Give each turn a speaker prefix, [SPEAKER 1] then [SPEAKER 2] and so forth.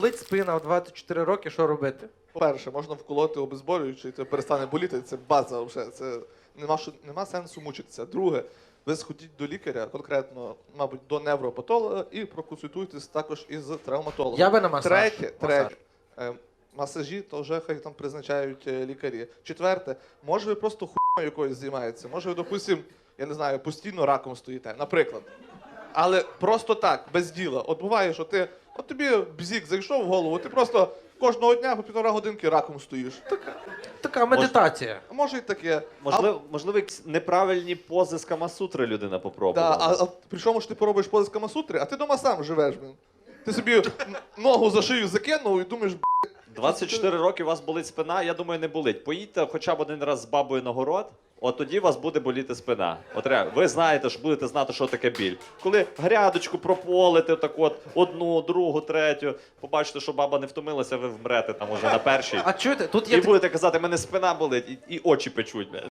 [SPEAKER 1] Болить спина в 24 роки, що робити?
[SPEAKER 2] По-перше, можна вколоти обезболюючий, це перестане боліти, це база вже, це нема сенсу мучитися. Друге, ви сходіть до лікаря, конкретно, мабуть, до невропатолога і проконсультуйтесь також із травматологом.
[SPEAKER 1] Я би на масаж.
[SPEAKER 2] Третє, масажі, то вже хай там призначають лікарі. Четверте, може ви просто хуйною якоюсь займаєтеся, може ви, допустим, я не знаю, постійно раком стоїте, наприклад. Але просто так, без діла. От буває, що от тобі бзік зайшов в голову, ти просто кожного дня по 1,5 годинки раком стоїш.
[SPEAKER 1] Така медитація.
[SPEAKER 2] А може і таке.
[SPEAKER 3] Можливо, якісь неправильні пози з Камасутри людина попробувала.
[SPEAKER 2] А причому ж ти поробиш пози з Камасутри, а ти дома сам живеш, блін. Ти собі ногу за шию закинув і думаєш,
[SPEAKER 3] 24 роки у вас болить спина, я думаю, не болить. Поїдьте хоча б один раз з бабою на город, от тоді у вас буде боліти спина. От реально, ви знаєте, що будете знати, що таке біль. Коли грядочку прополите, так от, одну, другу, третю, побачите, що баба не втомилася, ви вмрете там уже на першій.
[SPEAKER 1] А чуєте, тут є
[SPEAKER 3] І будете казати, мене спина болить, і очі печуть.